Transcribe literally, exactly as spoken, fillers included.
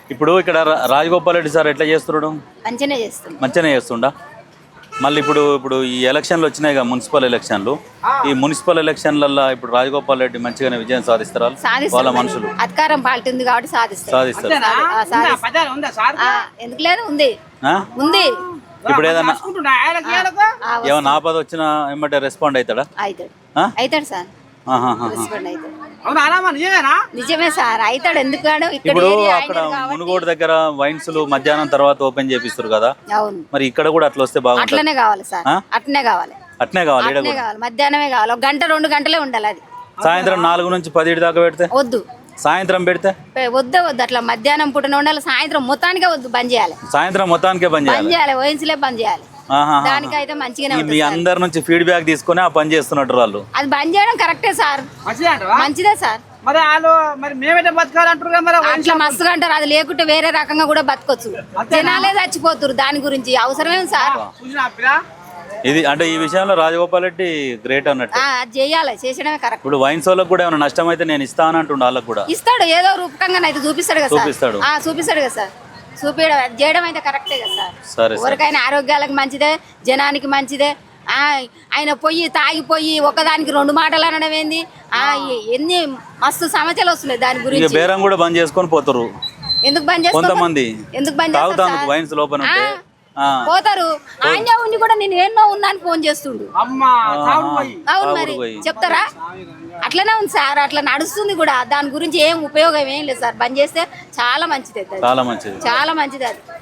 ఇప్పుడు ఇక్కడ రా- రాజగోపాల్ రెడ్డి సార్ ఎట్లా చేస్తున్నాడు? మంచిగానే చేస్తుంది. మంచిగానే చేస్తుండా? మళ్ళీ ఇప్పుడు ఇప్పుడు ఈ ఎలక్షన్లు వచ్చినాయి కదా, మున్సిపల్ ఎలక్షన్లు. ఈ మున్సిపల్ ఎలక్షన్లలో ఇప్పుడు రాజగోపాల్ రెడ్డి మంచిగానే విజయం సాధిస్తారా? వాళ్ళ మనుషులు అధికారం పార్టీ ఉంది కాబట్టి సాధిస్తారు. సాధిస్తారు. ఆ, సాధిస్తారు. ఆ, ఎందుకు లేదు, ఉంది ఆ? ఉంది. ఇప్పుడు ఏదన్నా ఆ, ఏమన్నా ఆపద వచ్చినా ఏమంటే రెస్పాండ్ అవుతాడా? అవుతాడు ఆ? అవుతాడు సార్, ఆహాహా. రెస్పాండ్ అవుతాడు. నిజమే సార్, అవుతాడు. ఎందుకు కాడు? ఇక్కడ ఇప్పుడు ఏరియా అక్కడ ఆయనది కాబట్టి. మునుగోడు దగ్గర వైన్స్లు మధ్యాహ్నం తర్వాత ఓపెన్ చేపిస్తారు కదా, అవును, మరి ఇక్కడ కూడా అట్లా వస్తే బాగుంటుంది. అట్లనే కావాలి సార్, ఆ? అట్లనే కావాలి, అట్నే కావాలి. ఈడ అట్లనే కూడా కావాలి. మధ్యాహ్నమే కావాలి, ఒక గంట రెండు గంటలే ఉండాలి. అది సాయంత్రం నాలుగు నుంచి పదిహేడు దాకా పెడితే, వద్దు, సాయంత్రం పెడితే పె- వద్దే వద్దు. అట్లా మధ్యాహ్నం పూటనే ఉండాలి, సాయంత్రం మొత్తానికే వద్దు, బంద్ చేయాలి. సాయంత్రం మొత్తానికే బంద్ బంద్ చేయాలి. చేయాలి, ఓఎన్సీలే బంద్ చేయాలి. ఆహాహా. దానికైతే మంచిగానే ఈ మీ ఉంటుంది సార్. అందరి నుంచి ఫీడ్బ్యాక్ తీసుకొని ఆ పని చేస్తున్నట్టు వాళ్ళు. అది బంద్ చేయడం కరెక్టే సార్, మంచిదే సార్. మరి వాళ్ళు మరి మేమైతే బతకాలంటారు కదా, మరి అట్లా మస్తుగా అంటారు. అది లేకుంటే వేరే రకంగా కూడా బతకొచ్చు. జనాలే చచ్చిపోతురు, దాని గురించి అవసరమే సార్. చూసినా పిల్ల ఇది అంటే ఈ విషయంలో రాజగోపాల్ రెడ్డి గ్రేట్ అన్నట్టు. ఆ, అది చేయాలి, చేసడమే కరెక్ట్. ఇప్పుడు వైన్స్ వాళ్ళకి కూడా ఏమైనా నష్టం అయితే నేను ఇస్తానంటుండే వాళ్ళకి కూడా. ఇస్తాడు, ఏదో రూపకంగా అయితే చూపిస్తాడు కదా సార్. చూపిస్తాడు. ఆ, చూపిస్తాడు కదా సార్. చూపించడం చేయడం అయితే కరెక్టే కదా సార్. సరే సార్. ఎవరికైనా ఆరోగ్యాలకు మంచిదే, జనానికి మంచిదే. ఆ, ఆయన పొయ్యి తాగిపోయి ఒకదానికి రెండు మాటలు అనడం ఏంది? ఆ, ఎ- ఎన్ని మస్తు సమస్యలు వస్తున్నాయి దాని ఇక గురించి. బేరం కూడా బంద్ చేసుకొని పోతారు ఎందుకు బంద్ చేస్తారు? కొంతమంది. ఎందుకు బంద్ చేస్తారు తాగుతాను సార్? వైన్స్ లోపల ఆ, ఉంటే. ఆ. పోతారు. ఆయన ఉండి కూడా నేను ఎన్నో ఉన్నాను ఫోన్ చేస్తుండు. అమ్మ తాగుడు పోయి అవును, మరి పోయి. చెప్తారా? అట్లనే ఉంది సార్, అట్లా నడుస్తుంది కూడా. దాని గురించి ఏం ఉపయోగం ఏం లేదు సార్. బంద్ చేస్తే చాలా మంచిది, అది చాలా మంచిది. చాలా మంచిది అది.